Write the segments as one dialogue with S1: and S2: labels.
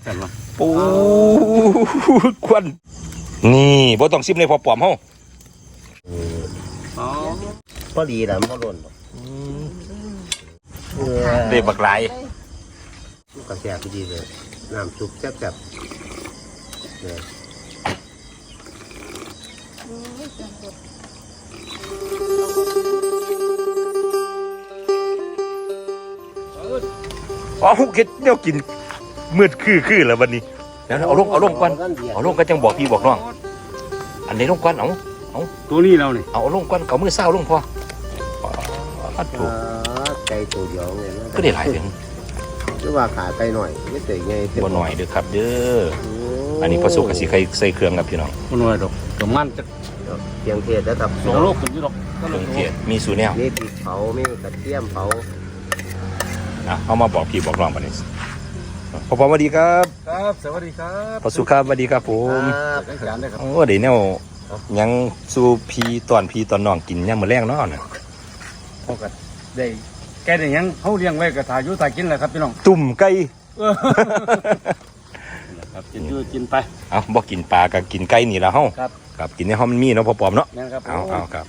S1: เห็นปะ
S2: ปูควันนี่บ่ต้องซิมเลยพอปอมเฮา
S1: อ๋อ
S3: พอดีแหละมันพอหล่น
S2: เด็บักหลาย
S3: มันก็แซ่บดีเลยน้ำซุปแซ่บๆเนี่ย
S2: อ๋อเฮ็ดแนวกินมืดคือแล้ววันนี้เดี๋ยวเอาลงก่อนเอาลงก็จังบอกพี่บอกน้องอันนี้ลงก่อนเอา
S1: ตัวนี้เราเนี่ย
S2: เอาลงก่อนเก่ามือเศร้าลงพอถูก
S3: ไก่ตัวเดียวเลยนะ
S2: ก็ได้หลายถึง
S3: หรือว่าขาไก่หน่อยไม่เตะไง
S2: บ่หน่อยเด้อครับเด้ออันนี้พอสุกกับสิใส่เครื่องครับพี่น้อง
S1: มันน้อยดอกกับมันจะ
S3: เพียงเทศแล้วครับ
S1: 2 โลขึ้นอยู่ดอก
S2: เครื่องเทศมีสูตรแนว
S3: มีพริกเผามีกระเทียมเผา
S2: เอามาบอกพี่บอกน้องบัดนี้พอสวัสดีครับ
S1: ครับสวัสดีครับ
S2: พอสุครับสวัสดีครับผม
S1: ได้จานได้ครับ
S2: โอ้เดี๋ยวแนวยังสู่พี่ตอนน้องกินยามมื้อแรงเนาะน่ะ
S1: พอกันได้แกได้ยังเขาเลี้ยงไว้กับถ่ายอยู่ถ่ายกินแหละครับพี่น้อง
S2: ตุ่มไก่
S1: ครับกินอยู่กินไป
S2: เอาบ่กินปลาก็กินไก่นี่ล่ะเฮา
S1: ครับ
S2: ครับกินในห้องมันมีเนาะพอปอมเนาะ
S1: นั่นครับ
S2: เอาครับ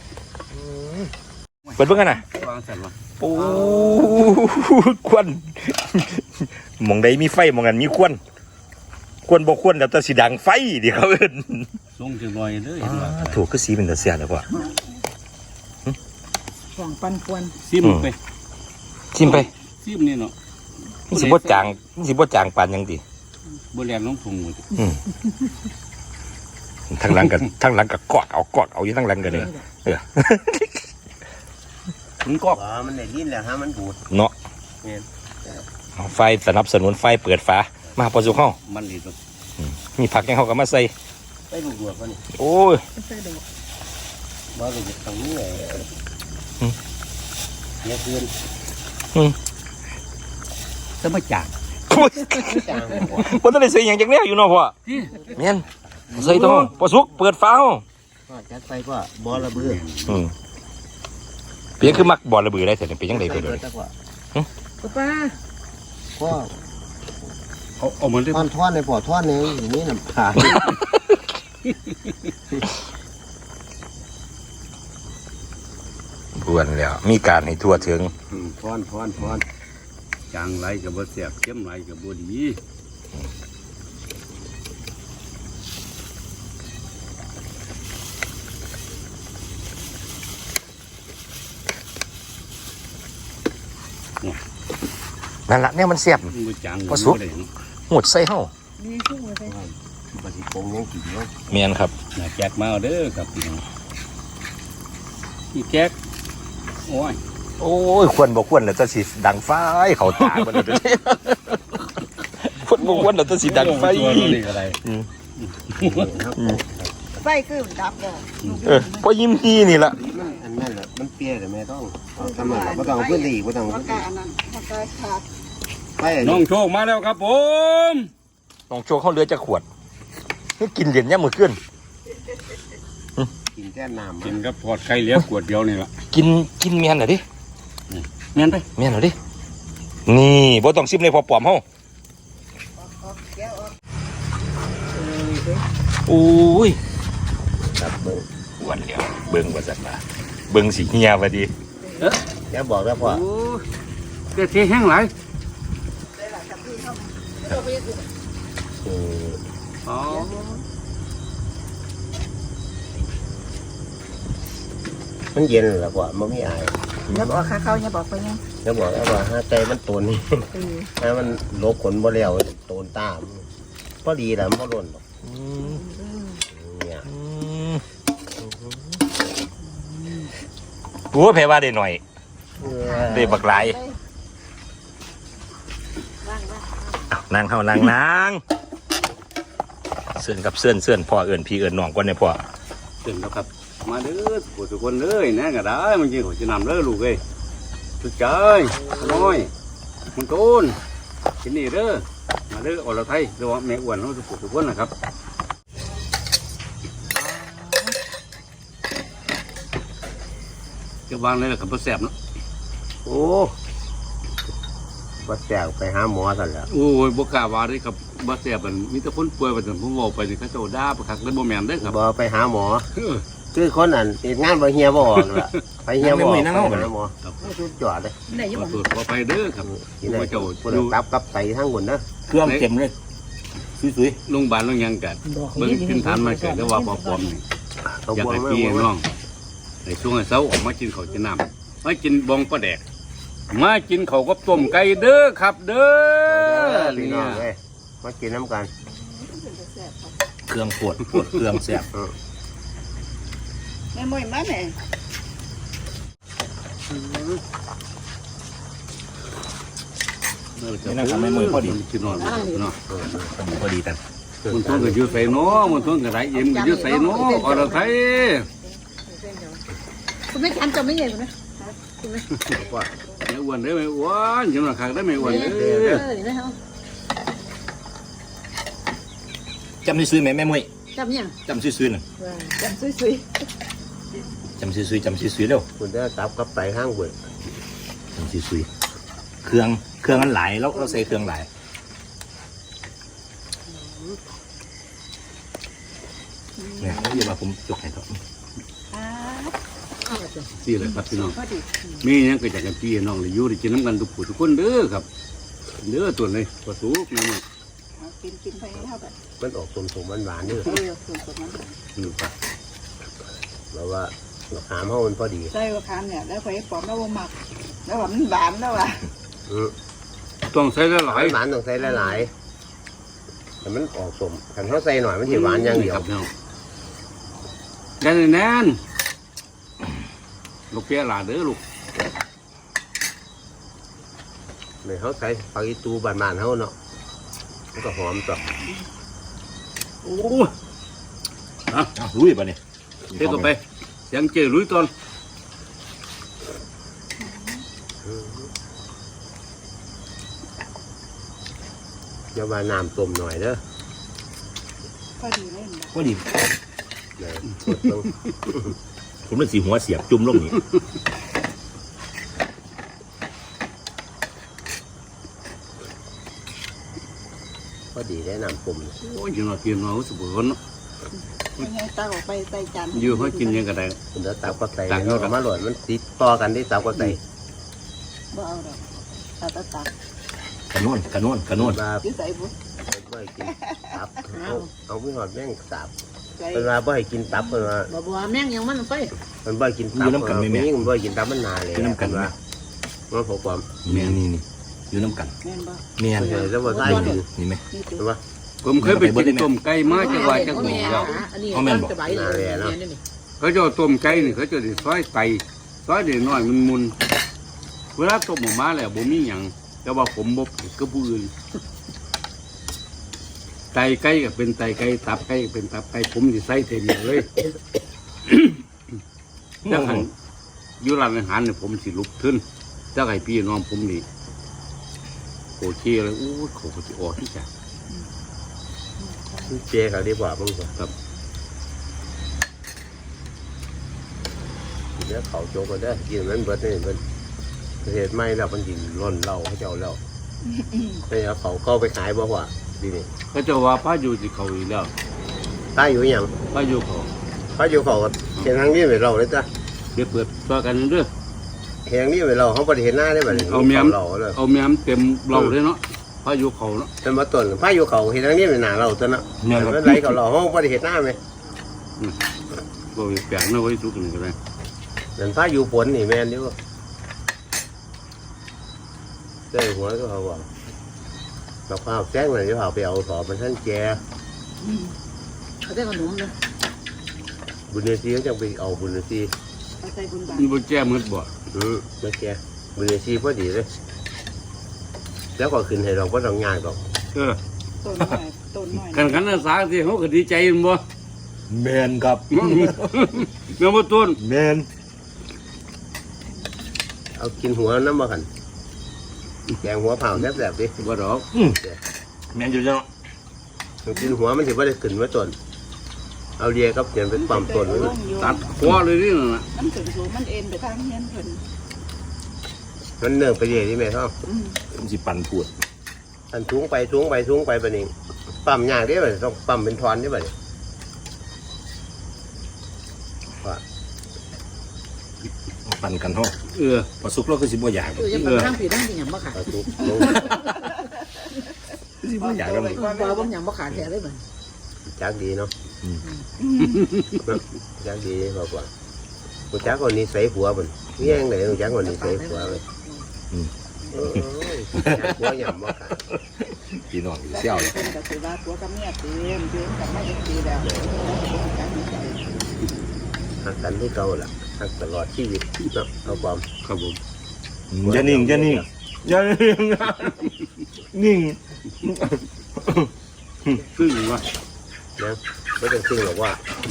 S2: เปิดเบิ่งกันนะ
S1: วางเสร็จวะ
S2: ปูควันหมองใดมีไฟหมองนั้นมีควันบ่ควันแล้วแต่สิดังไฟเดี๋ยวเขาเอิ้น
S1: ลงถึงลอยเลยเห็นว่า
S2: ถูกคือสีเป็นตาเสียแล้วพ่อ
S4: ห่วงปันควร
S1: ซิมไป
S2: ชิมไป
S1: ซิมนี่เนาะ
S2: มันสิบ่จางปานหยังติ
S1: บ่แลนน้องถุงหมด
S2: ทั้งหลังก็กอดเอาอยู่ทั้งหลังกันเลยเออ
S1: มันก็
S3: อ๋อมันได้ยินแล้วฮะมันบูด
S2: เนาะเอาไฟสนับสนุนไฟเปิดฝามาพอสุกเฮา
S1: มันดีตัว
S2: มีผักยังเฮาก็มาใส่
S3: ไปลูกดวกก็นี่
S2: โอ้ย
S4: ไม่ใช่ดอก
S3: บ้าเลยตรงนี้เลยเนี่ยคืน
S1: จะไม่จาง
S3: จางหัว
S2: บ่ทันได้ใส่หยังจักแนวอยู่เนาะพ่อแม่นใส่ต้องพอสุกเปิดฝาเฮา
S3: ก็จัดไปก็บอระเบือ
S2: เพียงคือมักบ่ระเบือได้แต่เป็นจังได๋เพิ่น
S3: จักว่า
S4: ป้า
S3: ก็
S1: เอาเหมือนที่
S3: ท่อนในปอดท่อนในอย่างนี้น้ำขา
S2: บวนแล้วมีการให้ทั่วถึง
S1: ท่อนจางไหลกับบ่แซ่บเข้มไหลกับบ่ดี
S2: นั่นล่ะเนี่ยมันเสียบ
S1: บ่จาง
S2: บ่สุก หมดใส่เฮา
S4: มีคู่เลย
S3: ปฏิปงยังกินเนาะ
S2: แม่นครับ
S1: น่าแจกมาเอาเด้อครับพี่น้องพี่แจ๊กโอ้ย
S2: โอ้ยควรบ่ควรแล้วจะสิดังไฟเขาตาบ่ได้เด้อควรบ่ควรแล้วจะสิดังไฟ
S1: ตัวนี้อะไร
S4: ไฟคือดับเลย
S2: พอยิ้มฮีนี่ล่ะ
S3: มันอันนั้นแหละมันเปรี้ยแต่ไม่ต้องทำอะไรไม่ต้องเอาพื้นที่ไม่ต้อง
S4: ปากกาอันนั้นปากกาขาด
S3: ไป
S1: น้องโชคมาแล้วครับผม
S2: ต้องโชว์เขาเหลือจะขวดให้กินเหรียญยามมื้อคืน
S3: กินแค่น้ำ
S1: กินกับพอดไข่เหลี้ยขวดเดียวนี่ล่ะ
S2: กินแม่นเหรอดิ
S1: แม่นไป
S2: แม่นเหรอดินี่บ่ต้องซิมเลยพอปอมเฮาโอ้ย
S3: ครับเบิ้ง
S2: วันเดียวเบิ่งว่าซั่นล่ะเบิ่งสิเหี่ยว่าดิ
S3: อย่าบอกแล้วพ่อ
S1: โอ้เจ๊เทแห้งหลาย อ๋อ
S3: มันเย็นแล้วพ่อมันไม่อาย
S4: อย่าบอกข้าเขาอย่าบอกไปยัง
S3: อย่าบอกแล้วว่าถ้าใจมันตูนนี่ถ้ามันลบขนบ่แล้วตูนตามพอดีแหละมันพอหล่นหรอกเนี่ย
S2: โอ้แพ้ว่าได้หน่อยได้บักหลายนั่งเฮานั่งเสื่อนกับเสื่อนพ่อเอิ้นพี่เอิ้นน้องก่อนเนี่ยพ่อ
S1: ตื่นแล้วครับ มาเด้อทุกคนเลยนะก็ได้มันกินหัวจะนำเด้อลูกเอ้ยสุดใจน้อยมันโตนกินนี่เด้อมาเด้ออรไทยเรียกว่าแม่อ้วนเขาทุกคนนะครับจะวางเลยล่ะครับบ่แซ่บเนาะ
S3: โอ้ว่าแตกไปหาหมอสั่นแหล้ว
S1: โอ้ยบ่กล้าว่าเด้ครับบ่แซ่บมันมีแต่คนป่วยว่าซั่นผมเว้าไปนี่เขาเจ้าด่าประคักเลยบ่แม่นเด้อครับ
S3: บ่ไปหาหมอ
S1: เออ
S3: คือคนนั้นเฮ็ดงานบ่เฮียบ่ออกล่ะไปเฮียบ่ออกไปหาหมอ
S1: ครับ
S3: สุดยอดเลย
S4: ไหนอยัง
S1: ข
S4: บ
S1: อ
S4: อก
S1: โทษขอไปเด้อครับ
S3: ที่ไหน
S1: ผู้เจ้า
S3: ผู้
S1: อยู่
S3: ตับกับไตทั้งหมดนะ
S2: เครื่องเต็มเลยสวย
S1: โรงพยาบาลโรงหยังกันเบิ่งขึ้นฐานมาเกิดก็ว่าปอมๆนี่
S3: เอา
S1: อยาก
S3: บวง
S1: ให้
S3: มา
S1: พี่
S3: บวง
S1: น้
S3: มา
S1: องในช่วงเช้าออกมากินข้าวกินน้ำมากินบองปลาแดกมากินข้าวกับต้มไก่เด้อครับเด้อ
S3: พี่
S1: เนี่
S3: น้อง
S1: ย
S3: เอ้ยมากินน้ำกัน
S2: ๆเครื่องปวดเครื่องแซ่บ
S4: แม่มวยมาแม่
S2: นี่นะครับแม่มือพอดี
S1: กินนอนเนาะ
S2: พอดีกัน
S1: มันทุ่งก็อยู่ใส่เนาะมันทุ่งก็ไรเอ็มก็อยู่ใส่เนาะอรไทย
S4: คุณไม่ทันจะไม่เห็นนะ
S3: ว่า
S1: ไม่อ้วนได้ไม่อ้วนจังหวะขากได้ไม่อ้วนเด้อ
S4: เห็นไหมครับ
S2: จำซื้อไหมแม่มวย
S4: จำยัง
S2: จำซื้อๆหน่อย
S4: จำซุย
S2: จำซื้อเร็ว
S3: คุณได้ตับกับไตห้างเบิด
S2: จำซื้อเครื่องมันหลายแล้วเราใส่เครื่องหลายเนี่ยเดี๋ยวมาผมยกให้ต่อ
S1: สิเลยครับพี่น้อง
S4: พอดี
S1: มีหยังก็อยากกันพี่น้องเลยอยู่ได้กินน้ำกันทุกผู้ทุกคนเด้อครับเด้อตัวนี้ปลาสุกนี่
S4: กินไปเท่าแบบ
S3: มันออกสมๆหวานๆนี่
S4: ส่วนผสม
S1: นี่ครับ
S3: แล้วว่าหามเฮามันพอดี
S4: ใส่ว่าคามเนี่ยแล้วไปปอมแล้วว่าหมักแล้วว่ามันหวานแล้วว่ะ
S1: ต้องใส่หลาย
S3: หวานต้องใส่หลายๆแต่มันออกสมคันเขาใส่หน่อยมันสิหวานอย่างเดียว
S1: ครับพี่น้องแน่นแน่นลูกเปียหลาเด้อลูก
S3: เนี่ยเขาใส่ปลาอีตูบานๆเขาเนาะมันก็หอมต่อ
S1: โอ้
S2: รู้ป่ะเนี่ย
S1: เทก็ไปเสียงเจลุยตอน
S3: เดี๋ยวมาน้ำต้มหน่อยเด้อ
S4: พอดีเล่น
S2: พอดี
S3: เนี่ยกดลง
S2: ผมเลยสีหัวเสียบจุ่มลงนี่
S3: พอดีได้น้ำต้ม
S1: โอ้ยจังหวะเพียนมาสุบคนเนาะ
S4: ไม่ให้ตาออกไปใส่จาน
S1: อยู่เขากินยังก็ได้
S3: คุณจะตับก็ใส่
S1: ตัก
S3: เอามาหล่นมันติดต่อกันที่ตับก็ใส่
S4: บ่เอาดอกตาตัก
S2: กระนวล
S3: มา
S4: ยืดใส่บุ
S3: บ่ให้กินตับเอาไม่หอดแม่งตับ
S4: ใส่
S3: เป็นว่าบ่ให้กินตับเป็นว่า
S4: บ่บัวแม่งยังมันไป
S3: มันบ่ให้กินตับนี่มันบ่ให้กินตับมันนานเลยว่ามันผมความ
S2: นี่อยู่น้ำกัน
S4: แม่นบ่
S2: เมียน
S3: แล้วว่าใส่กิน
S2: นี่ไหม
S4: นี่
S3: เห็
S4: ตั
S3: น
S4: ว
S3: ปะ
S1: ผมเคยไปกินต้มไก่มาจังหวัดจังหวัดแล้ว
S4: อันนี้มันจะใบเลยนี่
S1: เขาจะต้มไก่นี่เขาจะได้ซอยไตซอยเด็กน้อยมันมุนเวลาต้มออกมาแล้วบ่มีหยังแต่ว่าผมบ่ผิดกับผู้อื่นไตไก่ก็เป็นไตไก่ตับไก่ก็เป็นตับไก่ผมสิใส่เต็มเลยถ้าหันอยู่ร้านอาหารเนี่ยผมสิลุกขึ้นถ้าให้พี่น้องผมนี่โอเคเลยโอ้ยเขาก็สิออกที่จ้ะ
S3: เจเขาดีกว่ามึงครับเดี๋ยวเขาโจกันได้กินมันเบิดนี่มันเหตุไม่แล้วมันกินร่นเหล้าเขาเจ้าแล้วไม่เอาเขาเข้าไปขายบ่ว่าดีนี่
S1: เขาจะว่าพระอยู่ที่เขาอีกแล้ว
S3: ป้าอยู่ยัง
S1: พระอยู่เขา
S3: ป้าอยู่เขาเห็นทางนี้ไปเราเลยจ้ะ
S1: เดี๋ยวเปิดตัวกันเด้อ
S3: เห็นทางนี้ไปเราเขาบ่ได้เห็นหน้าได้แบบนี้
S1: เอาเมียม
S3: เราเลย
S1: เอาแม่มเต็มเราเลยเนาะพระอยู่เขาเนาะ
S3: เป็นมาต้นป้าอยู่เขาเห็นทางนี้เป็นหน้าเราจ้ะเนาะ
S2: เมียนครับ
S3: เป็นไรเขาเราเขาบ่ได้เห็นหน้าไหม
S1: บ่แปลกนะไว้ทุกนี่ก็ได้
S3: นั่นป้าอยู่ฝนนี่แม่นอยู่เจ้าหัวก็เขาบอกเราข้าวแจ้งเลยจะเอาไปเอาสอบมันท่านแก
S4: เขาได้ขนมนะ
S3: บุญเนซีเขาจะไปเอาบุญเนซี
S4: ใส่บุญบา
S1: มันบ่แจ้มืดบ่
S3: ไม่แกบุญเนซีพอดีเลยแล้วก็ขึ้นให้เราก็ต้องงานหรอก
S1: เออ
S4: ต้นหน่อยต้นหน่อย
S1: กันอาสาที่เขาก็ดีใจมันบ่
S2: เมียนครับ
S1: แม่บ่ต้น
S2: เมียน
S3: เอากินหัวน้ำมาขันแกงหัวเผาแซ่บๆดิ
S1: บ่ดอก
S2: เมียนอยู่จัง
S3: เอากินหัวมันถือว่าได้ขึ้นไว้ต้นเอาเรียกับเขียนเป็นปั๊มต้นไว้
S1: ตัดคอเลยนี่น่ะ
S4: มันถึงสูงมันเอ็นไปทางเฮียนเพิ่น
S3: มันเนื่องไปเรื่อยที่แม่ท้อง
S2: มันสิปั่นพูด
S3: อันทุงไปปะนี่ปั๊มยากได้ป่ะต้องปั๊มเป็นทอนได้ป่ะนี่ว่า
S2: ปั่นกันห้อง
S1: Ừ.
S2: พอสุกแล้วก็สิบ่อยาก
S5: คือจะมาทั้งผีทั้งผีหยังบ่ขาด
S3: เอาทุกลง
S2: สิบ่อยากแล้ว
S5: บ่บ่หยังบ่ขาดแท้เลยเหมือน
S3: จักดีเนาะจักดีบอกว่ากูจักคนนี้ใส่หัวมันนี่ยังไงกูจักคนนี้ใส่หัวเลยจักหัวหยำบ่ค่ะ
S2: พี่น้องอยู่เซี่ยวเลย
S4: เป็นกับสิว่าตัวกับเมียเต็มเต็มกับไม่ได้ตีแล้ว
S3: หักกันที่เก่าล่ะหักตลอดชีวิตเนาะเอาความ
S1: ครับผม
S2: อย่านิ่งอย่านิ่งอย่านิ่งนิ่ง
S1: ซึ่งว่า
S3: นะไม่ต้องซึ่งหรอกว่า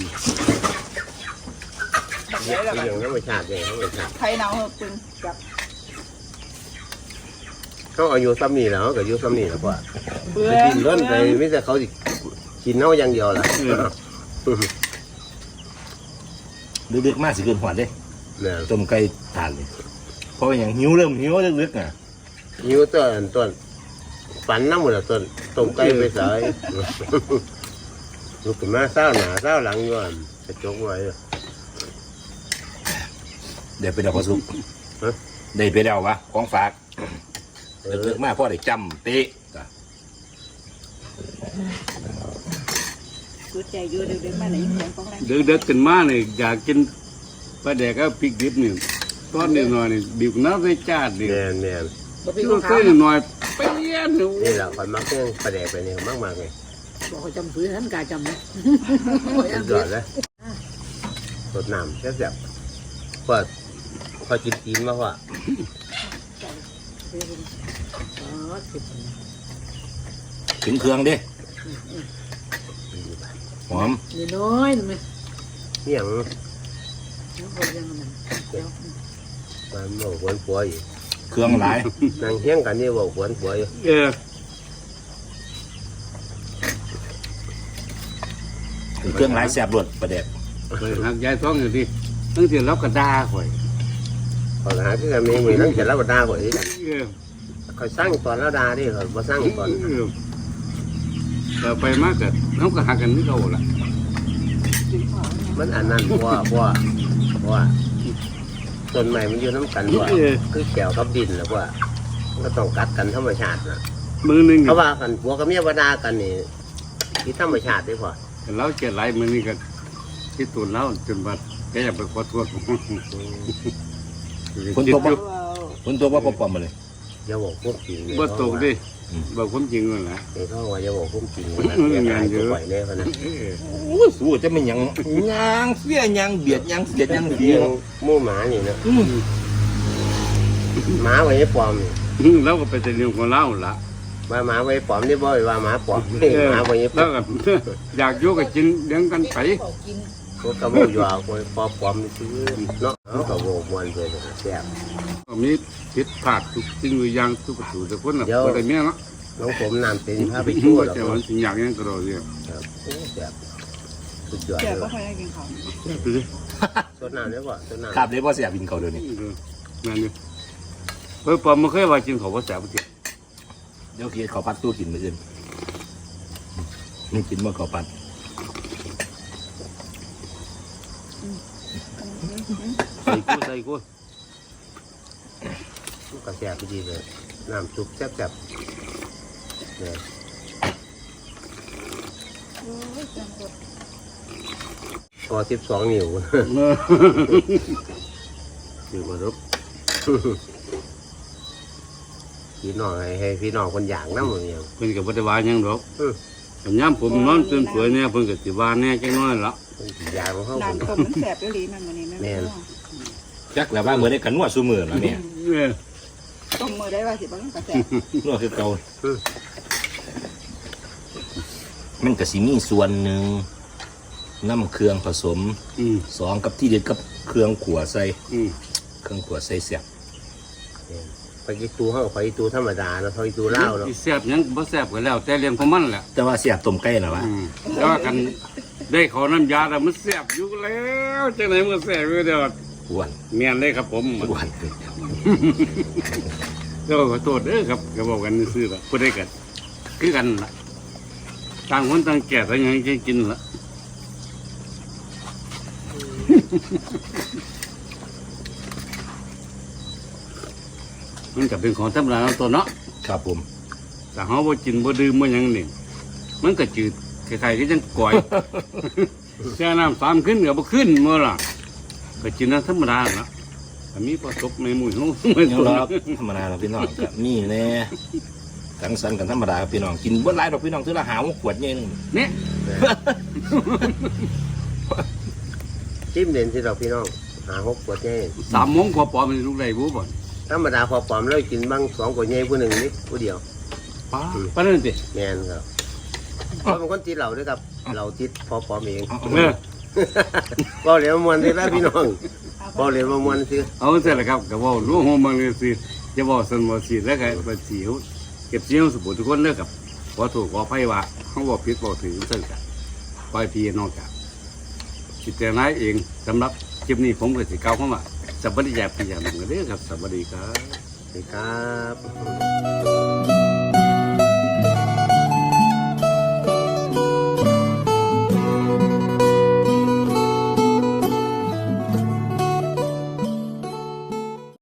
S4: ใช้แล้ว
S3: อย่างธรรมชาติอย่างธรรมชาติ
S4: ใครเนาปึงจับ
S3: เขาอายุซ้ำนี่แล้วก็อายุซ้ำนี่แล้วว่า
S4: เบื่อ
S3: ไปกินร้อนไปไม่แต่เขาสิกินเน่าอย่างเดียวล่ะ
S2: ดึกๆมากสิเกินหวานเด้
S3: เนี่ย
S2: ต้มไก่ทานเลยเพราะว่าอย่างหิวเริ่มหิวลึกๆอ่ะ
S3: หิวต้นฝันน้ำหมดแล้วต้มไก่ไปใส่ลูกขึ้นมาเศร้าหนาเศร้าหลังอยู่อ่ะกระจกไว้
S2: เดี๋ยวไปเดาพอสุกได้ไปเดาวะของฝากลึกๆมากพ่อได้จำเตะ
S4: กูใจอยู่เด็กๆมาไหนเสียงของแรง
S1: เด็กๆขึ้นมาเนี่ยอยากกินปลาแดกก็พริกดิบนี่ตอนนี้หน่อยนี่ดิบน้ำใส่จานนี่
S3: แม่นแม่น
S5: บ่เป็น
S1: ช่ว
S5: ขาย ง
S1: ใส่
S5: ขาว
S1: หน่อยไปเลี้ยนหนู
S3: นี่แหละคนมักเรื่องประแดกไปนี่มากมากเลย
S5: บอกเขาจำฝืนนั้นกายจำนะ
S3: สุดยอดเลยสดน้ำแซ่บๆพอกินตีนมาว่า
S2: ถึงเครื่องเด้หอม
S5: นี่น้อยนึงไหม
S3: เนี่ยง
S5: คนยังมันเดี๋ยว
S3: มันบอกหวนผัวอยู่
S2: เครื่องหลาย
S3: นางเฮี้ยงกันนี่บอกหวนผัวอยู่
S2: เครื่องหลายแซ่บรวดประเด็ด
S1: ไปหักยายท้องอยู่ที่ตั้งแต่รับกระดาข่อย
S3: พอหาที่กันมีมือนั่งเสร็จแล้วก็ด่าข่อยนี่
S1: เออ
S3: ข่อยสร้างตอนแล้วด่าดิข่อยมาสร้างตอน
S1: แต่ไปมากกับน้องก็หักกันนี่เขาละ
S3: มันอันนั้นเพราะว่าต้นใหม่มันอยู่น้ำกันว่าคือแก้วกับดินแล้วว่ามันก็ต้องกัดกันธรรมชาตินะ
S1: มือหนึ่ง
S3: เขาว่ากันผัวกับเมียว่าด่ากันนี่ที่ธรรมชาติดีกว่า
S1: เราเจ็ดหลายมือนี่ก็ที่ตุนแล้วจนบัดแกอยากไปขอโทษ
S2: คนตัวบ่คนตัวบ่ปอมมาเลย
S3: อย่าบอกพวกจริงเลย
S1: บ่ตกดิบอกความจริงเลยนะ
S3: เดี๋ยวเขาว่าอย่าบอกพวกจริงเลยนะอย่าหายตัวไหวแน่พะนะ
S2: โอ้สู้จะไม่หยังยางเสียยางเบียดยางเสียดยางเสีย
S3: หมู่หมานี่นะหมาไว้ให้ปลอมนี่
S1: เราก็ไปแต่เรื่องของเราละ
S3: ว่าหมาไว้ปลอมนี่บ่อยว่าหมาปลอมนี่หมาไว้ให้ปล
S1: แล้
S3: อ
S1: ว
S3: ม
S1: ก็อยากอยู่กับจินเลี้ยงกันไป
S3: พวกกระโมยว่าไว้ปลอมนี่ซื้อเนาะเอากระโมยมวนไปเลยแซ่บ
S1: มีผิดพลาดทุกสิ่งทุกอย่างทุกประตูทุกคนน่ะคนได้เมียเนาะ
S3: น้องผมน้ำเต็มพาไปชั่วแล้ว
S1: แต่
S3: ค
S1: ว่าสิ่งอย่างนี้ก็รอเรียก
S3: รับโอ้แซ่บสุดยอด
S4: แก
S3: เล
S4: ก็
S3: ย
S4: ค่อยได้กินข้าว
S3: สดน้ำได้ป่ะสดน้ำ
S2: ครับเลยบ่เสียบินเขาเดี๋ยวนี้
S1: นั่นนี่เฮ้ยปอมไม่เคยว่ากินของภาษาเจ็บ
S2: เดี๋ยวเคียเขาปัดตู้กินมื้ออื่นนี่กินบ่เขาปัด
S1: ใส่กู
S3: ก็แซ่บดีเลยน้ำซุปแซ่บๆเนี่ยพอ12 นิ้ว
S1: คือมารับ
S3: พี่น้องให้พี่น้องคนอย่างน้ำมันอย่าง
S1: เพิ่นกับปฏิวัติยังดอกผมย้ำผมนอนตื่นสวยเนี่ยเพิ่นกับสิวาแน่จังน้อยละ
S3: อย่างของเขา
S4: น้ำต้มมันแสบอยู่ดีมันนี่แม่
S2: จักแล้วว่ามื้อได้กันนัวซุมื้อแล้วเนี่ย
S4: ต้มมือได้ว่าสิบางกระแส
S2: นัวคือเก่ามันก็สิมีส่วนหนึ่งน้ำเครื่องผสมสองกับที่เด็ดกับเครื่องขัวใส่เครื่องขัวใส่เสียบ
S3: ไปกินตูเขาไปตูธรรมดาแล้วเขาตูเล่าเนาะ
S1: แซ่บยังบ่แซ่บก็แล้วแต่เรื่องของมันแหละ
S2: แต่ว่าเสียบต้มไก่นะวะ
S1: แต่ว่ากันได้ขอน้ำยาแล้วมันแซ่บอยู่แล้วจังไหนมันแซ่บอยู่เดียว
S2: อ้วน
S1: เมียนเลยครับผม
S2: อ้วน
S1: ก็ขอโทษเด้อครับก็บอกกันซื่อๆละพูดได้กันคือกันละต่างคนต่างแก่ต่างยังจะกินละ มันก็เป็นของธรรมดาของตัวเนาะ
S2: ครับผม
S1: แต่เขาบ่กินบ่ดื่มบ่หยังนี่มันก็จืดคล้ายๆก็จังก่อย แช่น้ำ3ขึ้นก็บ่ขึ้นเมื่อล่ะก็กินน้ำธรรมดาละแต่มีประสบในหมู่ของไม่
S2: ยัง
S1: ตัว
S2: รอธรรมดาเราพี่น้องก็มีแน่สังสรรค์กันธรรมดาครับพี่น้องกินบ่หลายดอกพี่น้องถือละหาขวดเย็น
S1: เนี่ย
S3: จิ้มเด่นสิดอกพี่น้องหา6ขวดใหญ่
S1: 3 โมงกว่าปอมันลูกได้บ่บ่
S3: ธรรมดาพอปลอมแล้วกินบ้าง2ขวดใหญ่ผู้หนึ่งนี่ผู้เดียว
S1: ป้าปานนั้นสิ
S3: แม่นครับเพราะเป็นคนติดเหล้าด้วยครับเหล้าติดพอปลอมเอง
S1: เออ
S3: ก็เหลียวมวนสินะพี่น้องก็เหลียวมวนสิ
S1: เอาเสร็จแล้วครับก็เว้ารู้ฮู้มังเลยสิจะบอกสันบ่สิแล้วก็บ่สิเฮาเก็บเสียงสมบูรณ์ทุกคนเด้อครับขอโทษขออภัยว่าเฮาบ่ผิดบ่ถือซึ่งกันปล่อยพี่น้องกันคิดแต่นายเองสำหรับคลิปนี้ผมก็สิกล่าวคำว่าสวัสดีอย่างพี่อย่างหนึงเด้อครับสวัสดีครับ
S3: สวัสดีครับ